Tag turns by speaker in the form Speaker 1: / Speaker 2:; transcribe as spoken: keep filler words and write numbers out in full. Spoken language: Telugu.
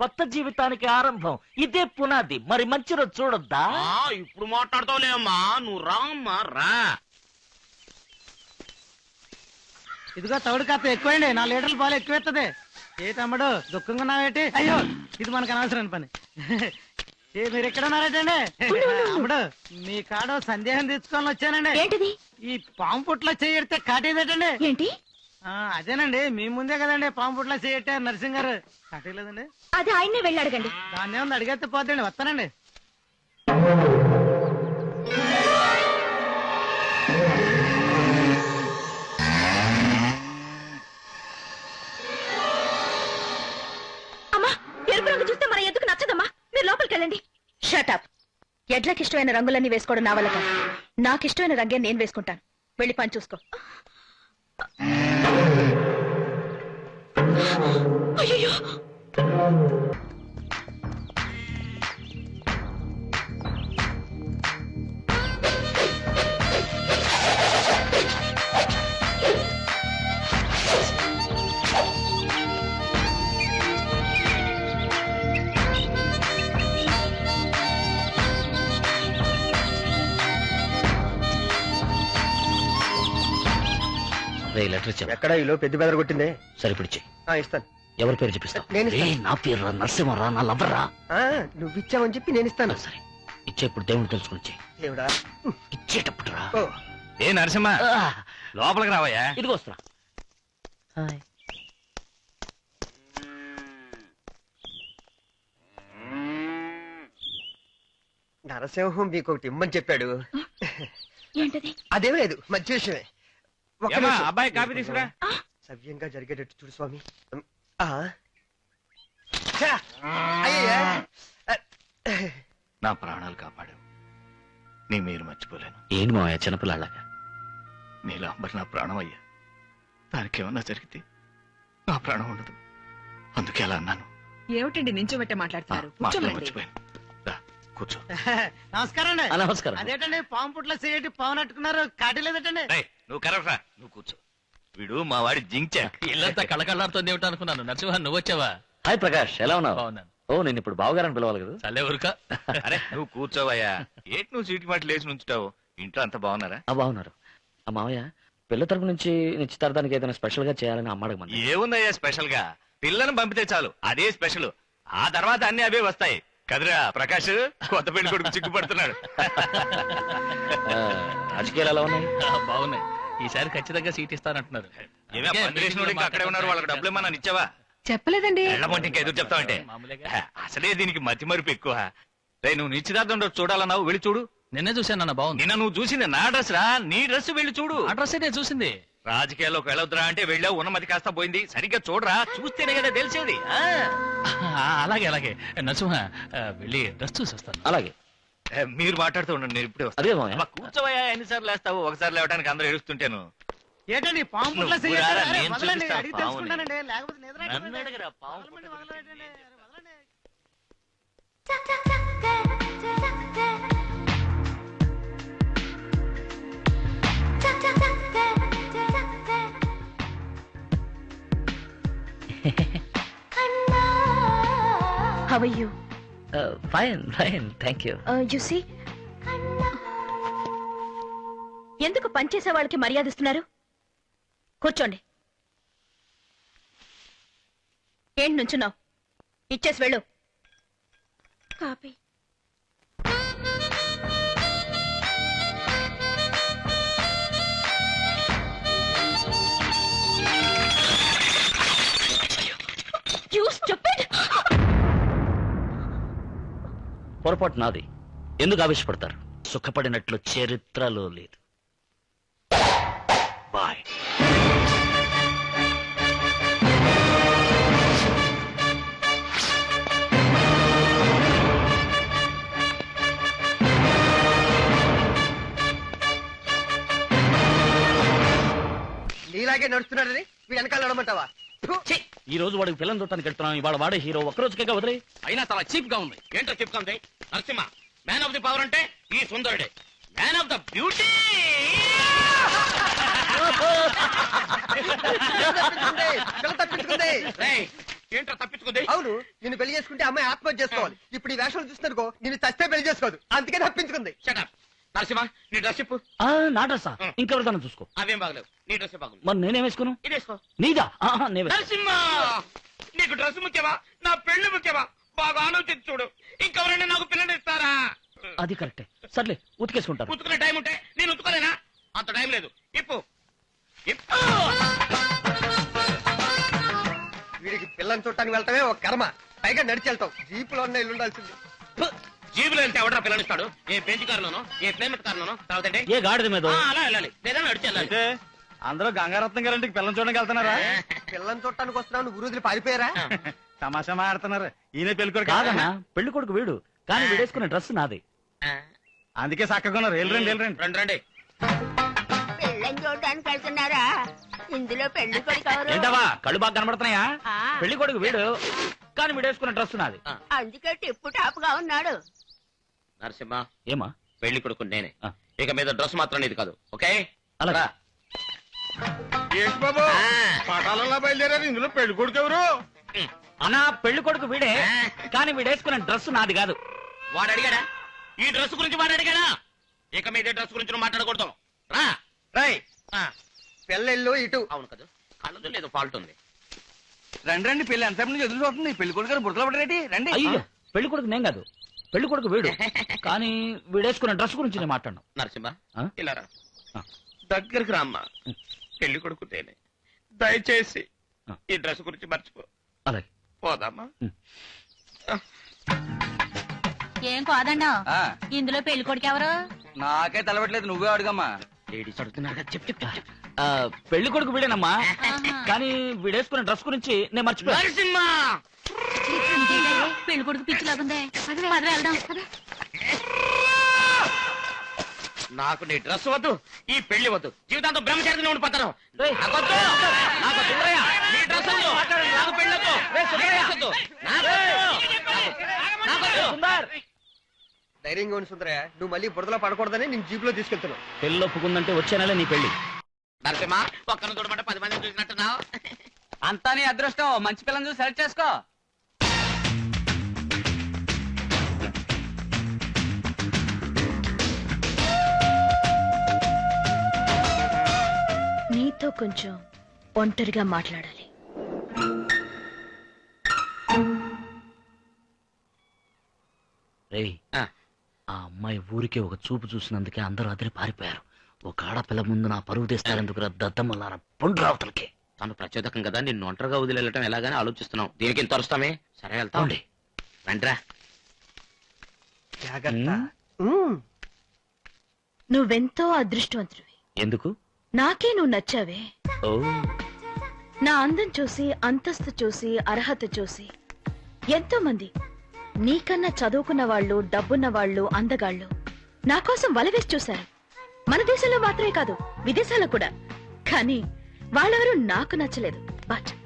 Speaker 1: కొత్త జీవితానికి ఆరంభం. ఇదే పునాది. మరి మంచి రోజు చూడొద్దా?
Speaker 2: ఇప్పుడు మాట్లాడతావులేమ్మా, నువ్వు రామ్మా రా.
Speaker 3: ఇదిగో తౌడు కాస్త ఎక్కువండి, నా లీటర్లు పాలు ఎక్కువెత్తది. ఏ తమ్ముడు దుఃఖంగా ఉన్నావేటి? అయ్యో ఇది మనకు అనవసరం పని. ఏ మీరు ఎక్కడ ఉన్నారటండి? తమ్ముడు మీ కాడ సందేహం తెచ్చుకోవాలని వచ్చానండి.
Speaker 4: ఏంటిది?
Speaker 3: ఈ పాము పుట్లో చేయడితే కాటేదటండి.
Speaker 4: ఏంటి?
Speaker 3: అదేనండి, మీ ముందే కదండి పాము పుట్లో చేయట్టే నరసింగ్ గారు. కాటేయలేదండి.
Speaker 4: అది ఆయన్నే వెళ్ళి అడగండి.
Speaker 3: దాన్ని ఏమన్నా అడిగేస్తే పోతండి. వస్తానండి.
Speaker 4: చూస్తే మన ఎందుకు నచ్చదమ్మా, మీరు లోపలికి వెళ్ళండి. షటప్. ఎడ్లకి ఇష్టమైన రంగులన్నీ వేసుకోవడం నా వల్ల కాదు. నాకు ఇష్టమైన రంగే నేను వేసుకుంటాను. వెళ్ళి పని చూసుకో. అయ్యో
Speaker 5: ఎక్కడ ఈలో పెద్ద బెదర కొట్టిందే?
Speaker 1: సరిపిడిచి
Speaker 5: ఇస్తాను.
Speaker 1: ఎవరి పేరు చెప్పిస్తా? నా పేరు నరసింహరా, నా లవ్వరా.
Speaker 5: నువ్వు ఇచ్చావని చెప్పి నేను ఇస్తాను.
Speaker 1: సరే ఇచ్చేప్పుడు దేవుడు తెలుసుకుని
Speaker 5: దేవుడా
Speaker 1: ఇచ్చేటప్పుడు రా.
Speaker 2: ఏ నరసింహ, లోపలికి రావయ్యా.
Speaker 1: ఇదిగో వస్తున్నా.
Speaker 5: నరసింహం మీకు ఒకటి ఇమ్మని చెప్పాడు.
Speaker 4: ఏంటది?
Speaker 5: అదేం లేదు, మంచి విషయమే.
Speaker 2: అబ్బాయి కాఫీ తీసుకురా.
Speaker 5: సవ్యంగా జరిగేటట్టు చూడు స్వామి.
Speaker 2: నా ప్రాణాలు కాపాడు. నీ మీరు మర్చిపోలేను.
Speaker 1: ఏంటి మావయ్య చిన్నపిల్లలాగా?
Speaker 2: నీలాంబర్ నా ప్రాణం అయ్యా. దానికి ఏమన్నా జరిగితే నా ప్రాణం ఉండదు. అందుకే అలా అన్నాను.
Speaker 6: ఏమిటండి నించోబెట్టే మాట్లాడతారు?
Speaker 2: మర్చిపోయాను. కూర్చో.
Speaker 3: నమస్కారం అండి.
Speaker 1: నమస్కారం.
Speaker 3: అదేటండి పాము పుట్లో చేయటి పాము నట్టుకున్నారు, కాటలేదటండి.
Speaker 2: నువ్వు కరవరా, నువ్వు కూర్చో. వీడు మా వాడి జించాక్.
Speaker 7: ఇల్లంతా కళకళాడుతోంది ఏమిటో అనుకున్నాను. నరసింహ నువ్వు వచ్చావా?
Speaker 1: హాయ్ ప్రకాష్, ఎలా ఉన్నావు?
Speaker 7: బాగున్నాను.
Speaker 1: ఓ నేను ఇప్పుడు బావగారని పిలవాలి కదా.
Speaker 7: చల్లే ఊరుక.
Speaker 2: అరే నువ్వు కూర్చోవయ్యా. ఏంటి నువ్వు సీటు మాట లేచి నుంచుతావు? ఇంట్లో అంతా బాగున్నారా?
Speaker 1: బాగున్నారు. ఆ మావయ్య పిల్ల తరపు నుంచి నిశ్చితార్థానికి ఏదైనా స్పెషల్ గా చేయాలని అమ్మ అడగమని.
Speaker 2: ఏముందయ్యా స్పెషల్ గా? పిల్లను పంపితే చాలు, అదే స్పెషల్. ఆ తర్వాత అన్ని అవే వస్తాయి కదరా ప్రకాష్. కొత్త పెళ్లి కొడుకు చిక్కుపడుతున్నాడు.
Speaker 1: రాజకీయాలు ఎలా ఉన్నాయి?
Speaker 7: బాగున్నాయి. ఈసారి ఖచ్చితంగా సీట్ ఇస్తానంటున్నారు.
Speaker 2: అక్కడే ఉన్నారు. వాళ్ళకి డబ్బులు ఏమన్నా ఇచ్చావా?
Speaker 6: చెప్పలేదండి.
Speaker 2: ఎళ్ళమంటే ఇంకా ఎదురు చెప్తావంటే? అసలే దీనికి మతి మరుపు ఎక్కువ. రే నువ్వు నిశ్చితార్థం చూడాలన్నావు, వెళ్ళి చూడు.
Speaker 7: నిన్నే చూశాను అన్న. బాగుంది.
Speaker 2: నిన్న నువ్వు చూసింది నా డ్రెస్ రా, నీ డ్రెస్ వెళ్ళి చూడు.
Speaker 7: ఆ డ్రెస్ నేను చూసింది.
Speaker 2: రాజకీయాల్లోకి వెళ్ళొద్దురా అంటే వెళ్ళావు, ఉన్నమతి కాస్త పోయింది. సరిగ్గా చూడరా, చూస్తేనే కదా తెలిసేది.
Speaker 7: అలాగే అలాగే నరసింహ, వెళ్ళి డ్రెస్ చూసి వస్తాను.
Speaker 1: అలాగే
Speaker 2: మీరు మాట్లాడుతూ ఉండండి, నేను ఇప్పుడే
Speaker 1: అదే
Speaker 2: వస్తాను. కూర్చోవయ్యా, ఎన్నిసార్లు వేస్తావు? ఒకసారి లేవడానికి అందరూ ఏడుస్తుంటాను.
Speaker 3: ఏంటండి పాము పుట్లో
Speaker 2: నువ్వు రారా, నేను
Speaker 3: వదలండి,
Speaker 2: చూపిస్తా
Speaker 3: అడిగి
Speaker 2: పాముని.
Speaker 3: తెలుసుకుంటానండి. లేకపోతే నిద్ర
Speaker 2: నన్ను అడగరా, పాము
Speaker 3: వదలండి, వదలండి, వదలండి.
Speaker 4: How are you?
Speaker 1: Fine fine thank you.
Speaker 4: Uh, you see? ఎందుకు పనిచేసే వాళ్ళకి మర్యాద ఇస్తున్నారు? కూర్చోండి. ఏంటి నుంచున్నావు? ఇచ్చేసి వెళ్ళు. కాపీ. You stupid!
Speaker 1: పొరపాటు నాది. ఎందుకు ఆవేశపడతారు? సుఖపడినట్లు చరిత్రలో లేదు. బాయ్.
Speaker 5: నీలాగే నడుస్తున్నాడని వీడు వెనకాల నడమంటావా?
Speaker 1: ఈ రోజు వాడికి పిల్లలు చూడటానికి వెళ్తున్నాం. ఇవాళ వాడే హీరో. ఒక్కరోజుకే వదిలే.
Speaker 2: అయినా చాలా చీప్ గా ఉంది. ఏంటో చీప్ గా ఉంది? Narasimha man of the power అంటే ఈ సుందరుడే. Man of the beauty. ఏంట్రా తప్పించుకుంది?
Speaker 5: అవును, నిన్ను పెళ్లి చేసుకుంటే అమ్మాయి ఆత్మహత్య చేసుకోవాలి. ఇప్పుడు ఈ వేషాలు చూస్తున్నారుకో నిన్ను చస్తే పెళ్లి చేసుకోదు, అందుకే తప్పించుకుంది.
Speaker 2: షటప్ నరసింహ, నీ డ్రెస్ చెప్పు.
Speaker 1: ఆ, నా డ్రెస్సా? ఇంకెవరిదాన్ని చూసుకో.
Speaker 2: అవేం బాగలేవు, నీ డ్రెస్ బాగుంది.
Speaker 1: మరి నేనేం వేసుకోను?
Speaker 2: ఇదేసుకో.
Speaker 1: నీదా? ఆహా, నే వేసుకో.
Speaker 2: నరసింహ, నీకు డ్రెస్ ముఖ్యమా నా పెళ్లి ముఖ్యమా? బాగా ఆలోచించి చూడు, ఇంకెవరైనా నాకు పిల్లలు ఇస్తారా?
Speaker 1: అది కరెక్టే. సర్లే, ఉతికేసుకుంటాను.
Speaker 2: ఉతుకునే టైం ఉంటే నేను ఉతుకోలేనా? అంత టైం లేదు. ఇప్పు ఇప్పు.
Speaker 5: వీడికి పిల్లని చూడటానికి వెళ్తామే ఒక కర్మ, పైగా నడిచి వెళ్తాం. జీపులో ఉన్న ఇల్లు ఉండాల్సింది.
Speaker 2: జీబులో వెళ్తే ఎవడరా పిల్లనిస్తాడు? ఏ బెంచ్ కారులోనో, ఏ ప్లేమెట్ కారులోనో, తర్వాత
Speaker 1: ఏ గాడిద మీద?
Speaker 2: అలా వెళ్ళాలి, లేదా నడిచి వెళ్ళాలి.
Speaker 3: అందరూ గంగారత్నం గారింటికి పిల్లని చూడడానికి వెళ్తున్నారా?
Speaker 5: పిల్లని చూడటానికి వస్తున్నావు, నువ్వు గురువులు పారిపోయారా?
Speaker 3: తమాషా మాడుతున్నారు. ఈయన పెళ్లి కొడుకు
Speaker 1: కాదన్నా, పెళ్లి కొడుకు వీడు, కానీ వీడేసుకునే డ్రెస్ నాది.
Speaker 3: అందుకే చక్కగా ఉన్నారు. వెళ్ళరండి వెళ్ళరండి.
Speaker 2: రండి రండి.
Speaker 8: పెళ్ళని చూడడానికి వెళ్తున్నారా? ఇందులో పెళ్లి కొడుకు ఎవరు?
Speaker 1: ఏంటవా కళ్ళు బాగా కనబడుతున్నాయా?
Speaker 8: ఆ.
Speaker 1: పెళ్లి కొడుకు వీడు, కానీ వీడేసుకునే డ్రెస్ నాది.
Speaker 8: అందుకే టిప్పు టాప్ గా ఉన్నాడు.
Speaker 2: నరసింహ,
Speaker 1: ఏమా?
Speaker 2: పెళ్లి కొడుకు నేనే.
Speaker 1: ఆ.
Speaker 2: ఇక మీద డ్రెస్ మాత్రం నీది కాదు, ఓకే?
Speaker 1: అలాగా.
Speaker 2: ఏంటి బాబు పటాలలో బయలుదేరారు, ఇందులో పెళ్లి కొడుకు ఎవరు?
Speaker 1: అన్నా, పెళ్లి కొడుకు వీడే, కానీ వీడేసుకునే డ్రెస్ నాది కాదు.
Speaker 2: వాడు అడిగాడా? ఈ డ్రెస్ గురించి వాడు అడిగాడా? ఇక మీద డ్రెస్ గురించి నువ్వు మాట్లాడకూడదు. రా.
Speaker 5: రై,
Speaker 2: ఆ,
Speaker 5: పిల్లలు ఇటు.
Speaker 2: అవును కదా, కళ్ళదు లేదు ఫాల్ట్ ఉంది.
Speaker 3: రండి రండి. పెళ్లి ఎంతసేపు నుంచి ఎదురు చూస్తుంది. పెళ్లి కొడుకు గారు బుర్రలో పడరేటి? రండి.
Speaker 1: అయ్యో, పెళ్లి కొడుకు నేను కాదు, పెళ్లి కొడుకు వీడు, కానీ వీడేసుకునే డ్రెస్ గురించి నేను మాట్లాడను.
Speaker 2: నరసింహ,
Speaker 1: ఆ?
Speaker 2: ఇలా రా.
Speaker 1: ఆ.
Speaker 2: దగ్గరికి రామ్మా. పెళ్లి కొడుకు నేనే, దయచేసి
Speaker 1: ఆ.
Speaker 2: ఈ డ్రెస్ గురించి మర్చిపో.
Speaker 1: అలాగే.
Speaker 2: పోదామా?
Speaker 8: ఏం కాదన్నా, ఇందులో పెళ్లి కొడుకు ఎవరు?
Speaker 3: నాకే తలబెట్టలేదు, నువ్వే అడుగమ్మా.
Speaker 2: లేడీస్ అడుగుతున్నారు కదా, చెప్పు చెప్పు చెప్పు.
Speaker 1: ఆ, పెళ్లి కొడుకు వీడేనమ్మా, కానీ వీడేసుకునే డ్రెస్ గురించి నేను మర్చిపోయాను.
Speaker 2: నరసింహ,
Speaker 8: పెళ్లి కొడుకు పిచ్చిలాగుందే. పద వెళ్దాం.
Speaker 2: నాకు నీ డ్రెస్ వద్దు, ఈ పెళ్లి వద్దు, జీవితాంతం బ్రహ్మచారిగా ఉండిపోతాను.
Speaker 1: రేయ్,
Speaker 2: నాకొద్దు.
Speaker 1: నాకు సుందరయ్య,
Speaker 2: నీ డ్రెస్ వద్దు, నాకు పెళ్లి వద్దు.
Speaker 1: రేయ్, సుందరయ్య.
Speaker 2: నీ డ్రెస్ వద్దు. నాకొద్దు. నాకొద్దు.
Speaker 1: సుందర్,
Speaker 5: ధైర్యంగా ఉండి సుందరయ్య, నువ్వు మళ్ళీ బురదలో పడకూడదని నేను జీపులో తీసుకెళ్తున్నావు.
Speaker 1: పెళ్లి ఒప్పుకుందంటే వచ్చే నెల నీ పెళ్లి.
Speaker 2: నరసింహ, ఒక్కను చూడమంటే పది మంది చూసినట్టున్నావు.
Speaker 3: అంతా నీ అదృష్టం. మంచి పిల్లని చూసి సెలెక్ట్ చేసుకో.
Speaker 4: నీతో కొంచెం ఒంటరిగా మాట్లాడాలి.
Speaker 1: రేయ్,
Speaker 2: ఆ.
Speaker 1: ఆ అమ్మాయి ఊరికే ఒక చూపు చూసినందుకే అందరూ అదిరి పారిపోయారు. ఒక ఆడపిల్ల ముందు నా పరువు తీస్తారెందుకు దద్దమ్మలారా పుండ్రావతలకి.
Speaker 2: తను ప్రచోదకం కదా, నిన్ను ఒంటరిగా వదిలేయటం ఎలాగని ఆలోచిస్తున్నావు. దీనికి ఇంత అరుస్తామే? సరే వెళ్తాం.
Speaker 1: అవునండి.
Speaker 2: రండిరా.
Speaker 5: జాగ్రత్త.
Speaker 1: ఉమ్.
Speaker 5: ఉమ్.
Speaker 4: నువ్వెంతో అదృష్టవంతుడివి.
Speaker 1: ఎందుకు?
Speaker 4: నాకే నువ్వు నచ్చావే.
Speaker 1: ఓ,
Speaker 4: నా అందం చూసి, అంతస్తు చూసి, అర్హత చూసి ఎంతో మంది నీకన్నా చదువుకున్న వాళ్ళు, డబ్బున్న వాళ్ళు, అందగాళ్ళు నా కోసం వలవేసి చూశారు. మన దేశంలో మాత్రమే కాదు, విదేశాల్లో కూడా. కానీ వాళ్ళెవరూ నాకు నచ్చలేదు. బట్